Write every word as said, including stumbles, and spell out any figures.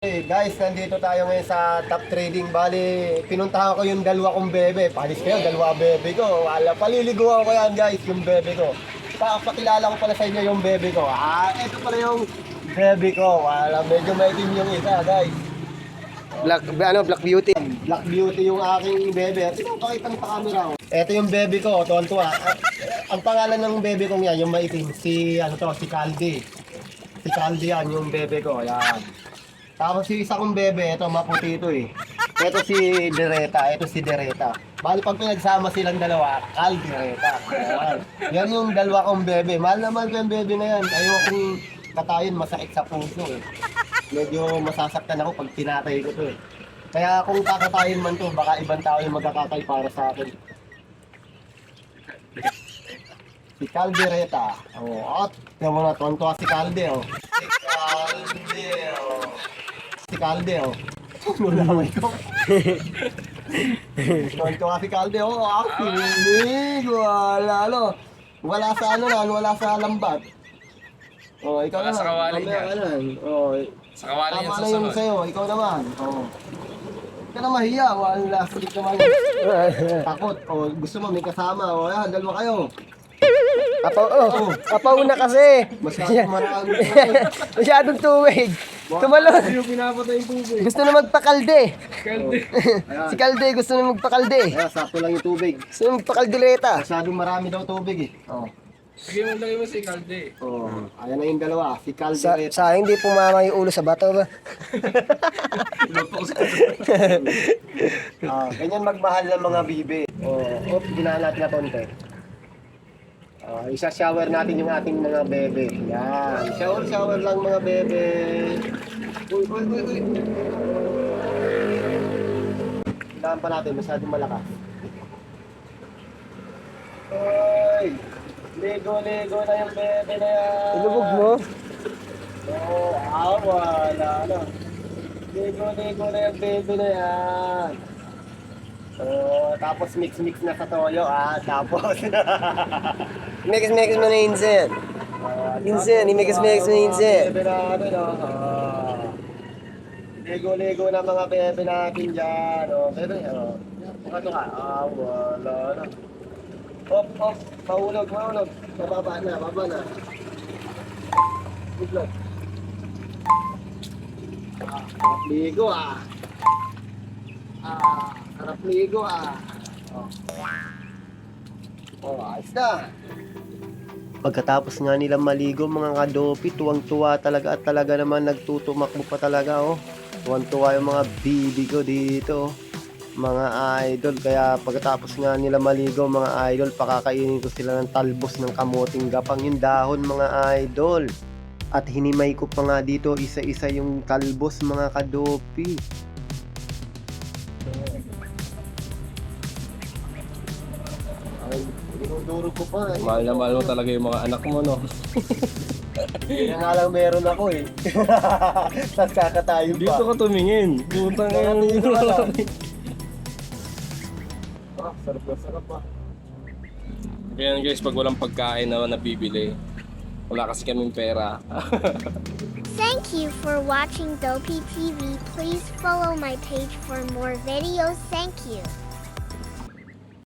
Hey guys, nandito tayo ngayon sa Top Trading. Bali, pinuntahan ko yung dalawa kong bebe. Palis kayo, dalawa bebe ko. Wala, paliliguan ko yan guys, yung bebe ko. Pa pakilala ko pala sa inyo yung bebe ko. Ah, ito pala yung bebe ko. Wala, medyo maitim yung isa guys. Black, ano, Black Beauty. Black Beauty yung aking bebe. Ito, pakita ng camera ko. Ito yung bebe ko, tuwan-tuwa. Ah, ang pangalan ng bebe kong yan, yung maitim, si, ano to, si Caldi. Si Caldi yan, yung bebe ko. Yan. Tapos si isa kong bebe, ito maputi ito eh. Ito si Dereta, ito si Dereta. Bali pag pinagsama silang dalawa, Cal Dereta. Yan. Yan yung dalawa kong bebe. Mahal naman ko yung bebe na yan. Ayaw kong katayin, masakit sa puso eh. Medyo masasaktan ako pag tinatay ko to eh. Kaya kung kakatayin man to, baka ibang tao yung magkakatay para sa akin. Si Cal Dereta. Oh, at yung mga tonto si Calde oh. Si Calde oh. Si Calde oh. Nulamay ko. Tonto si Calde oh. Akinig. Wala ano. Wala sa ano na, wala sa lambat. Oh, ikaw Wala naman. sa kawali niya. Mamaya ka na. Oh, Sa kawali tama yung na yung susunod. sa'yo. Ikaw naman. Oh. Hindi ka na mahiya. Wala. Sige naman. Takot. Oh, gusto mo may kasama. Oh, yan. Dalawa kayo. Apaw, oh, apauna kasi. Masyadong marami. Masyadong tuwig. Tumalon. Yung pinapatay yung tubig. Gusto na magpakalde. Kalde. Si Kalde gusto na magpakalde. Kaya sakto lang yung tubig. Gusto na magpakaldereta. Masyadong marami daw tubig eh. Oh. Sige mo lagay mo si Kalde. Oh. Ayan na yung dalawa. Si Sa, Caldereta. sa hindi pumama yung ulo sa bato ba? Ah, ganyan magmahal ng mga bibe. Oh, op, ginaan natin na konti. Ah, isa-shower natin yung ating mga bebe. Yan. Shower, shower lang mga bebe. Uy, uy, uy, uy. Kailangan pa natin, masyadong malakas. Uy! Ligo-ligo na yung bebe na yan. Ilubog mo? Oo, oh, ah, wala na. Ligo-ligo na yung bebe na yan. Oh, tapos mix-mix na sa toyo ah, tapos. Mix-mix mo na insen. Ah, Insen, i-mix-mix mo na insen. Bebe natin oh. Ah. Ligo-ligo na mga bebe natin dyan. Oh, bebe, oh. Ano ka? Ah, wala na. Hop, hop, mahulog, mahulog. Mababa na, baba na. Itlog. Ah, sarap ligo ah. Ah, sarap ligo ah. Oh. Oh, ayos na. Pagkatapos nga nila maligo mga kadopi, tuwang-tuwa talaga at talaga naman nagtutumakbo pa talaga oh. Tuwang-tuwa yung mga bibi ko dito oh. Mga idol, kaya pagkatapos nga nila maligo mga idol, pakakainin ko sila ng talbos ng kamuting gapang yung dahon mga idol. At hinimay ko pa nga dito isa-isa yung talbos mga kadopi. Ay, dinuduro ko pa eh. Mahal na mahal mo talaga yung mga anak mo, no? Kaya nga lang meron ako eh. Tapos kakatayo pa. Dito ka tumingin. Puta nga yung Dito ka lang. Ah, sarap na sarap ah. Ganyan guys, pag walang pagkain na nabibili, wala kasi kaming pera. Thank you for watching Dopey T V. Please follow my page for more videos. Thank you.